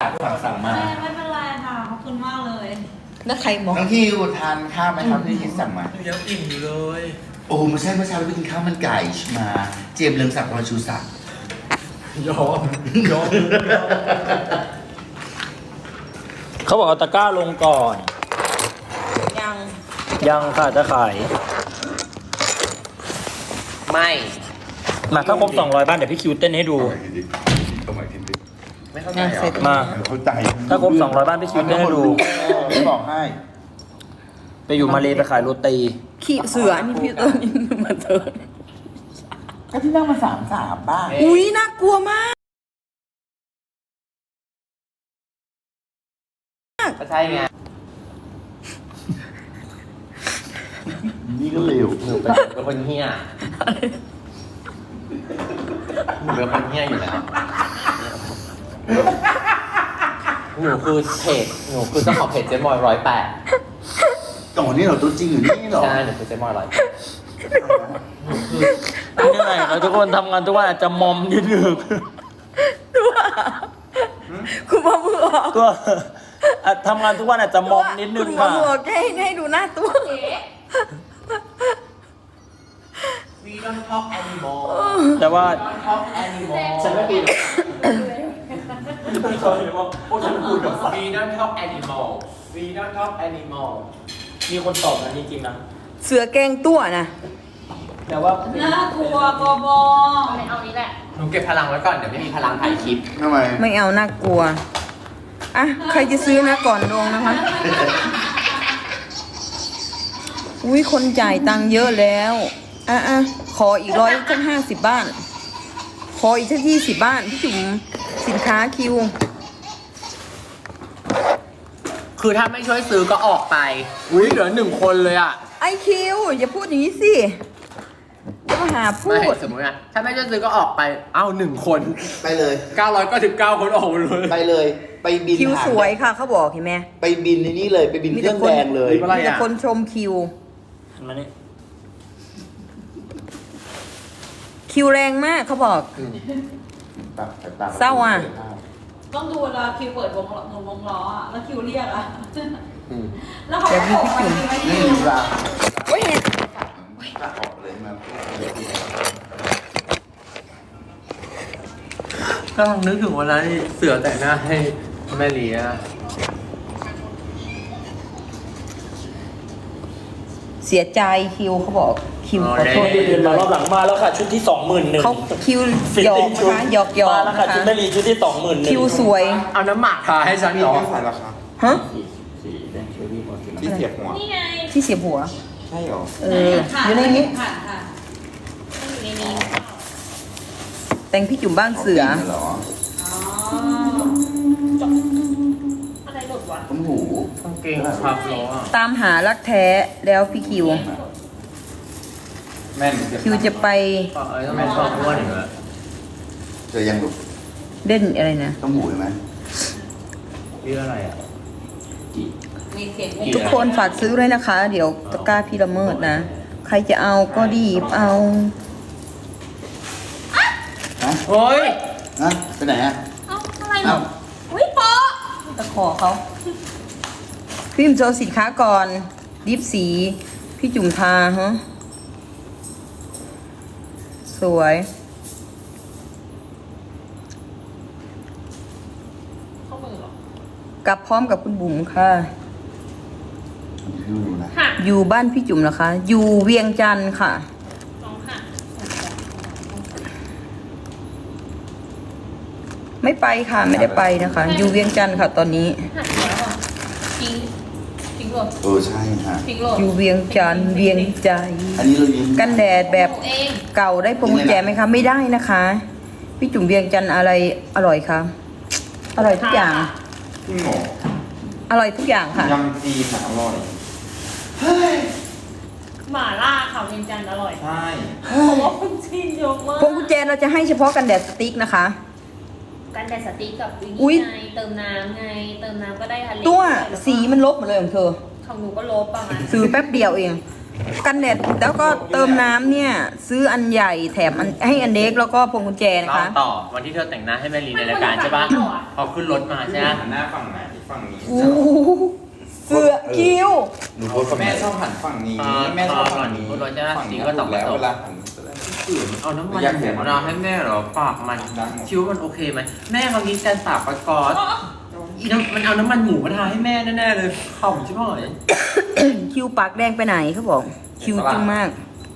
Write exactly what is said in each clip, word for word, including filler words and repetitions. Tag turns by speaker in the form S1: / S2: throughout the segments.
S1: สั่งสั่งมา
S2: ไม่ไม่เป็นไรค่ะขอบคุณมากเลย
S3: แล้วใครมอง
S1: น้องที่ทานข้าวไหมครับที่คิดสั่งมา
S4: ยังอิ่มอยู่เลย
S1: โอ้ไม่ใช่เมื่อเช้าเราไปกินข้าวมันไก่มา เจมส์เรืองศักดิ์รอยชูศักดิ์
S4: ยอมยอม
S5: เขาบอกเอาตะกร้าลงก่อน
S3: ยัง
S5: ยังค่ะจะขาย
S4: ไม่
S5: มาถ้าครบสองร้อยบ้านเดี๋ยวพี่คิวเต้นให้ดู
S1: เอาใหม่ทีดิ
S4: ไม่เข้าใจ
S3: ยัง
S4: เหร
S3: เสร็
S4: อ
S3: จ
S5: มา
S1: เข้าใจ
S5: ถ้าครบสองร้อยบ้านพี่คิวเต้นให้ดู
S1: ไม่บอกให้
S5: ไปอยู่มาเลไปขายโรตี
S3: ขี้เสือนี่พี่ต้นนี่มาเจอ
S1: ก็ที่นั่งมาสามสามบ้าง
S3: อุ้ยน่ากลัวมาก
S4: ก็ใช่ไง
S1: นี่ก็เร็ว
S4: หนูเป็นเป็นคนเฮี้ยหนูเป็นคนเฮี้ยอยู่แล้วหนูคือเพจหนูคือเจ้าของเพจเจมอยร้อยแปด
S1: ต่อนี่เหรอตัวจริงอยู่นี่เหรอ
S4: ใช่หนูคือเจมอยร้อยแปด
S5: เหนื่อยครับทุกคนทำงานทุกวันอาจจะมอมนิดนึง
S3: ตัวคุณพ่อมือออก
S5: ตัวอ่ะทำงานทุกวันอาจจะมอมนิดนึ
S3: คุ
S5: ง
S3: ณพ่อ
S5: ค่ะ
S3: มือออกให้ให้ดูหน้าตัว
S4: We don't talk anymore
S5: แต่ว่า
S4: don't talk anymore ฉันไม่ปี We don't talk anymore We don't talk anymore
S5: มีคนตอบนะจริงๆนะ
S3: เสือแกงตัวนะ
S5: แต่ว่า
S2: น่ากลัวบอบอไม่เอานี้แหละ
S4: หนูเก็บพลังไว้ก่อนเดี๋ยวไม่มีพลังถ่ายคลิป
S1: ทำไม
S3: ไม่เอาน่ากลัวอ่ะใครจะซื้อนะก่อนลงนะคะ อุ้ยคนจ่ายตังค์เยอะแล้วอ่ะอ่ะขออีกร้อยสักห้าสิบบ้าน ขออีกสักยี่สิบบ้านพี่จุ๋มสินค้าคิว
S4: คือถ้าไม่ช่วยซื้อก็ออกไป อุ้ยเหลือหนึ่งคนเลยอ่ะ
S3: ไอคิวอย่าพูดอย่างนี้สิจะมาหาพู
S4: ไม่
S3: ด
S4: สมมตินะถ้าไม่ช่วยซื้อก็ออกไป เอ้าหนึ่งคน
S1: ไปเลย
S4: เก้าร้อยเก้าสิบเก้าคนออกหมดเลย
S1: ไปเลย ไปบิน
S3: คิว
S1: หาง
S3: สวยค่ะเขาบอกเห็นไหม
S1: ไปบินในนี่เลย ไปบินเครื่องแดงเลย
S4: อะไร
S3: มีแต่
S4: อ่ะ
S3: คนชมคิว
S5: มานี่
S3: คิวแรงมากเขาบอก
S1: ตัดสายต
S3: เศร้าอ่ะ
S2: ต้องดูเวลาคิวเปิดวงล้อหมุนวงล้ออะแล้วคิวเรียกอะ
S4: อืม
S2: แล้วเขาก็ออกมาคิวไม่
S1: นี่
S2: ได้
S1: เวลา
S3: โอ้ยเห็น
S1: ตัดออกเลยมา
S4: กำลังนึกถึงวันนั้นที่เสือแต่งหน้าให้แม่เลีย
S3: เสียใจคิวเขาบอกคิวขอโทษ
S5: เดินมารอบหลังมาแล้วค่ะ ชุดที่สองหมื่นหนึ่ง
S3: เขาคิวหยอกนะคะหยอกหยอ
S5: มาก แล้ว
S3: นะ
S5: ค่ะ
S3: คะ
S5: ชุดแม่ลีชุดที่สองหมื่นหนึ่ง
S3: คิวสวย
S4: เอาน้ำหมักทาให้ฉันเหรอ
S1: ใส่ราคา
S3: ฮะ
S1: ที่เสียบหัว
S2: นี่ไง
S3: ที่เสียบหัว
S1: ใช่เหรอ
S3: เอออยู่ในนี้
S2: ผ่านค่ะอยู่ในนี้
S3: แต่งพี่จุ๋มบ้านเสือ
S1: เหรอ
S2: อ๋ออะไรหลุดวะ
S1: ต้มหู
S4: กางเกงครับล้อ
S3: ตามหารักแท้แล้วพี่คิว
S1: แม่น
S3: คิวจะไป
S4: เออทำไมชอบอ้วนอย่างเงี้ย
S1: จะยังหลุด
S3: เล่นอะไรนะ
S1: ต้มหูใช่ไหม
S4: ชื่ออะไรอ่ะ
S2: มีเสียง
S3: ทุกคนฝากซื้อด้วยนะคะ เดี๋ยวตะกร้าพี่ละเมิดนะ ใครจะเอาก็ดีบเอา
S4: เฮ้ย
S1: ฮะไปไหนอ่ะ
S2: เอ้าอะไรหรออุ้ยโป๊ะ
S3: ตะขอเขาพี่จุ๋มโชว์สินค้าก่อนดิฟสี พี่จุ๋มทาฮะสวย
S2: เข้ามือเหรอก
S3: ลับพร้อมกับคุณบุ๋มค่ะ
S1: ดูดูนะ
S2: หัก
S3: อยู่บ้านพี่จุ๋มนะคะ อยู่เวียงจันทร์ค่ะ
S2: สองหัก
S3: ไม่ไปค่ะ ไม่ได้ไปนะคะ อยู่เวียงจันทร์ค่ะ ตอนนี้
S2: หักแล้วอ่ะทิ้งทิ้งหลด
S1: เออใช่ฮะ
S2: ทิ้งหลด
S3: อยู่เวียงจันทร์เวียงใจ
S1: อันนี้เรายืม
S3: กันแดดแบบ
S2: เอง
S3: เก่าได้พวงกุญแจไหมคะ ไม่ได้นะคะ พี่จุ๋มเวียงจันทร์อะไรอร่อยคะอร่อยทุกอย่าง
S1: พี่หมอ
S3: อร่อยทุกอย่างค่ะ
S1: ยำจีนอะอร่อย
S2: หม่าล่าข่าวเวียงจันทร์อร่อย
S1: ใช่
S2: เพราะว่าคุณจีนเยอะมาก
S3: พวงกุญแจเราจะให้เฉพาะกันแดดสติ๊กนะคะ
S2: กันแดดสติ๊กกับวิ
S3: อุ๊ย
S2: นี่ไงเติมน้ำไง เติมน้ำก็ได้ทะเล
S3: ตัว
S2: แล้วก็
S3: สีมันลบหมดเลยของเธอ
S2: ของหนูก็ลบประมาณ
S3: ซื้อแป๊บเดียวเอง
S1: พ
S3: กันแดดแล้วก็เติมน้ำเนี่ย ซื้ออันใหญ่แถมอันให้อันเล็กแล้วก็พวงกุญแจนะ
S4: เล่า
S3: คะ
S4: ต่อวันที่เธอแต่งหน้าให้แม่ลีในรายการใช่ปะพอขึ้นรถมาใช่ไหม
S6: หันหน้าฝั่งไหนฝั่งนี้
S3: อู้เสือคิ้ว
S1: หนูโพสต์
S6: แม่ชอบหันฝั่งนี้แม่ชอบฝั่งนี้
S4: ขึ้นรถใช่ไหม
S6: ฝั่ง
S4: จริ
S6: นี้
S4: ง
S6: ก็
S4: ก็
S6: ต
S4: ต้อง
S6: กแล้ว
S4: ต
S6: เว
S4: ก
S6: ลาหันจะได้
S4: เอาน้ำมันหมูมะนาวให้แม่เหรอปากมันคิ้วมันโอเคไหมแม่เขามีการปากประกอบอีน้ำมันเอาน้ำมันหมูมาทาให้แม่แน่ๆเลยขำใช่ไหม
S3: คิ้วปากแดงไปไหนเขาบอก คิ้วจึงมาก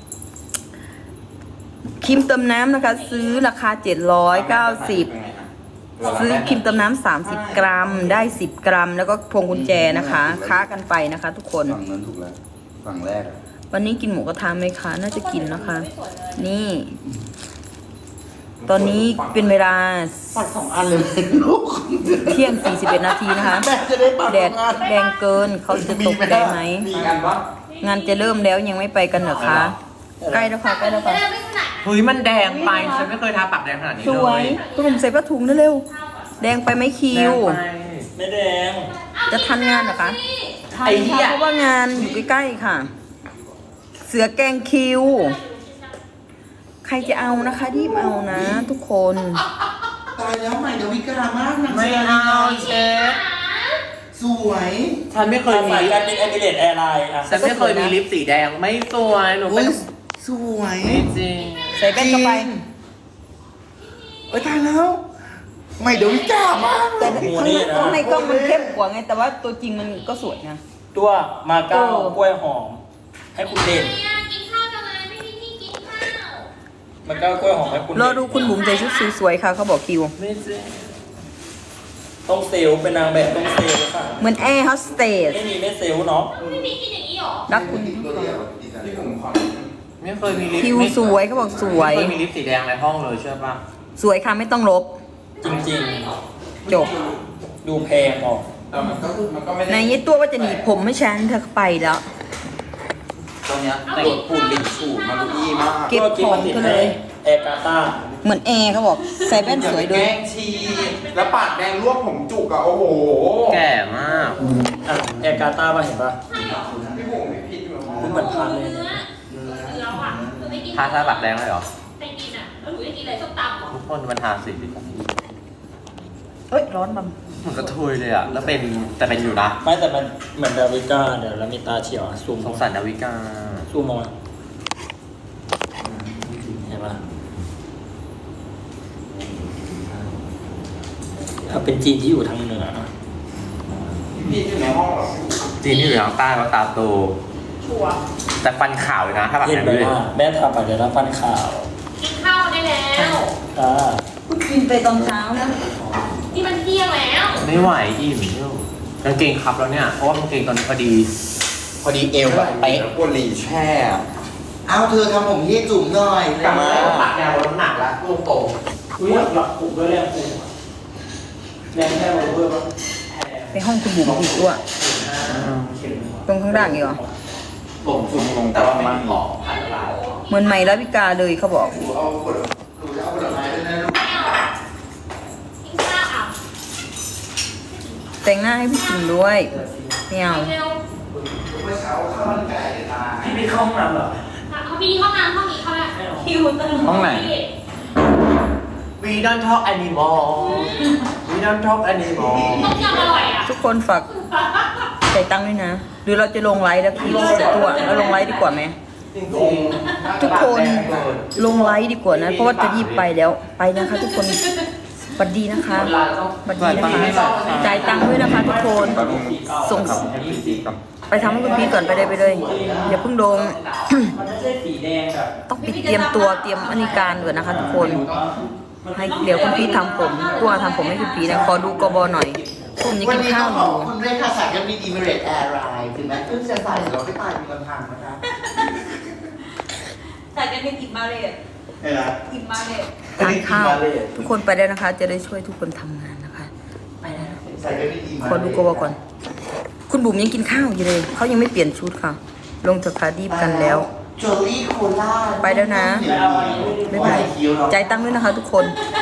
S3: ครีมเติมน้ำนะคะ ซื้อราคาเจ็ดร้อยเก้าสิบซื้อครีมเติมน้ำสามสิบกรัมได้สิบกรัม แล้วก็พวงกุญแจนะคะ ค้ากันไปนะคะ ทุกคน
S1: ฝั่งนั้นถูกแล้วฝั่งแรกอะ
S3: วันนี้กินหมูกระทะไหมคะ น่าจะกินนะคะ นี่ ตอนนี้เป็นเวลา
S1: ปัดสองอันเลยลูก
S3: เที่ยงสี่สิบเอ็ดนาทีนะคะ
S1: แม่จะได้ปัด
S3: แด
S1: สอ
S3: ด
S1: งอัน
S3: แรงเกินเขาจะตกได้ไหม
S6: มีกันปะ
S3: งานจะเริ่มแล้วยังไม่ไปกันเหรอคะ ใกล้แล้วค่ะใกล้แล้วค่ะ
S4: เฮ้ยมันแดงไปฉันไม่เคยทาปากแดงขนาดนี้
S3: ส
S4: เล
S3: วย
S4: ย
S3: คุณหนุ่มใส่ผ้าถุงได้เร็ว แดงไปไหมคิว
S4: แดงไป
S5: ไม่แดง
S3: จะทันงานเหรอคะทัน
S4: ไอ้เหี้
S3: ค่ะ
S4: ย
S3: เพราะว่างานอยู่ใกล้ๆค่ะ เสือแกงคิว ใครจะเอานะคะรีบเอานะ ทุกคน
S1: ตายแล้วใหม่ดาวิกามากนะ
S4: ไม่เอาเชฟ
S1: สวย
S4: ฉันไม่เคยมี
S5: สาย
S4: ลิ
S5: การ
S4: ป
S5: บินเอมิเรตแอร์ไลน์อ่ะ
S4: ฉันไม่เคยมีลิปสีแดงไม่สวยหนู
S1: อุ้
S4: ไม่
S1: ยสวย
S4: ไม่จริง
S3: ใส่แว่นเข้าไป
S1: เอ้ยตายแล้วใหม่ดาวิกามาก
S3: แต่ข้างในข้างในกล้องมันเข้มกว่าไง แต่ว่าตัวจริงมันก็สวยนะ
S5: ตัวมาเก้า
S3: เออ
S5: กล้วยหอม ให้คุณเด่น
S2: กินข้าวจังเลยไม่มีที่กินข้าว
S5: มาเก้ากล้วยหอมให้คุณ
S3: ร
S5: เด่น
S3: อดูคุณบุ๋มใส่ชุดสวยๆค่ะเขาบอกคิว
S4: ไม่จริง
S5: ต้องเซลล์เป็นนางแบบต้องเซลล์ค่ะ
S3: เหมือนแอร์โฮสเตส
S5: ไม่มีไม่เซลล์เนาะ
S2: ไม่มีกินอย่างนี้หรอ
S3: รักคุณ
S6: ที่ผมขอ
S4: ไม่เคยมีลิป
S3: คิว
S4: ไม่
S3: สวยเขาบอกสวย
S4: ไม่เคยมีลิปสีแดงในห้องเลยเชื่อป่ะ
S3: สวยค่ะไม่ต้องลบ
S5: จริง
S3: จบ
S5: ๆ ดูแพงออก
S6: แต่มันก็มันก็ไม่
S3: ใน
S6: ได้
S3: ยี่ตัวว่าจะหนีบผมให้ฉันเธอไปแล้ว
S6: ตอนเนี้ยตรวจปูนลินฉูดมาลุยี่มาก
S3: เก็บของเธอเลย
S5: แอร์กาตา
S3: เหมือนแอร์เขาบอกใส่แว่นสวยด้วย
S6: แกงชีแล้วปากแดงลวกผมจุกอะโอ้โห
S4: แก่มาก
S5: อ่ะแอร์กาตาป่ะเห็นป่ะ
S6: พี่บุ๋มพี่พิษอยู่
S5: เหมือนพันเลย
S2: เนื้อแล้วอ่ะคือไม่กิน
S4: ทาทาปากแดงเลยเหรอ
S2: ไปกินอ่ะแล้วหนูจะกินอะไรส้มตำเหรอ
S4: ทุกคนมันทาสีดิ
S3: เอ้ยร้อนบัง
S4: เหมือนกระเทยเลยอ่ะ แล้วเป็นแต่เป็นอยู่นะ
S5: ไม่แต่มันเหมือนดาวิก้าเดี๋ยวแล้วมีตาเฉียวอ่ะซูม
S4: สงสารดาวิกา
S5: ซูมมองมาเห็นป่ะถ้าเป็นจีนที่อยู่ทางเหนือ
S6: พี่อยู่ในห้องเหรอ
S4: จีนที่อยู่ทางใต้ว่าตาโต
S2: ชัวร์
S4: แต่ฟันขาวเลยนะ ถ้าปาก
S5: เห็
S4: แด
S5: น
S4: ง
S5: ไหม
S4: ด้วย
S5: ว่าแม่ทำไปเดี๋ยวรับฟันข่าว
S2: กินข้าวได้แล้ว
S5: อ่า
S3: เพิ่งกินไปตอนเช้านะ
S2: นี่มันเที่ยงแล้ว
S4: ไม่ไหวอิ่มเนี่ยกางเกงครับแล้วเนี่ย เพราะว่ากางเกงตอนนี้พอดี พอดีเอวแบบเป๊ะ
S6: แล้วปวดหลีแช่
S1: เอาเธอทำผมให้จุ๋มหน่อย
S4: กลับมาปากแนวลดน้ำหนักแล้วลูกโต
S5: อุ้ยหลับปลุกด้วยแรงปลุกแรงแค่โรเวอร์ป่ะ
S3: ไปห้องคุณบุ๋มอีกด้วยตรงข้างล่างอีกเหรอ
S4: ผมสูงลงแต่ว่าไม่มีหมอผ่านลาย
S3: เหมือนใหม่ลาวิกาเลยเขาบอก
S1: เอาผลหนูจะเอาผลไม้ด้วยนะลูก
S2: กินข้าวอ่ะ
S3: แต่งหน้าให้พี่กินด้วยไม่เอา
S2: เร็ว
S1: เมื่อเช้าข้าวมันไก่ทาน
S5: พี่ไปเข้าห้องน้ำเหรอ
S2: เขามีห้องน้ำห้องนี้เขาแหละคิวเติม
S6: ห้องไหน
S4: We don't talk anymore We don't talk anymore
S2: ต้มยำอร่อยอ่ะ
S3: ทุกคนฝากจ่ายตังค์ด้วยนะ หรือเราจะลงไลฟ์แล้วคิดสิบตัวเราลงไลฟ์ดีกว่าไหม
S4: จริงๆ
S3: ทุกคนลงไลฟ์ดีกว่านะ เพราะว่าจะรีบไปแล้วไปนะคะ ทุกคนสวัสดีนะคะสวัสดีนะคะจ่ายตังค์ด้วยนะคะทุกคนส่งไปทำให้คุณพี่ก่อนไปเลยไปเลยอย่าเพิ่งลง
S5: มันไม่ใช่สีแดงแบบ
S3: ต้องปิดเตรียมตัวเตรียมอนิการก่อนนะคะ ทุกคนให้เดี๋ยวคุณพี่ทำผมตัวทำผมให้คุณพี่นะขอดูกบหน่อยผมยัง
S1: วัน
S3: กิน
S1: นี้
S3: ข้า
S1: ต้
S3: ว
S1: อง
S3: อ
S1: ขอยู่ บคุณด้วยค่ะสายการบินอิมิเรตแอร์ไลน์ถึงแม้เพิ่งจะใส่เราไม่ตายมีลำพังนะคะ
S2: แต่จะเป็นอิ่มมาเลย
S1: เห็นไหม
S2: อิ่มมาเลย
S3: ทานข้าวทุกคนไปได้นะคะ จะได้ช่วยทุกคนทำงานนะคะ ไปแล้วนะ
S1: สายการบินอิมิเรต
S3: ขอดูกบก่อน คุณบุ๋มยังกินข้าวอยู่เลยเขายังไม่เปลี่ยนชุดค่ะ ลงจากคาดีบกันแล้ว
S1: โจลี่โคล่า
S3: ไปแล้วนะ บ๊ายบายจ่ายตังค์ด้วยนะคะ ทุกคน
S2: ไ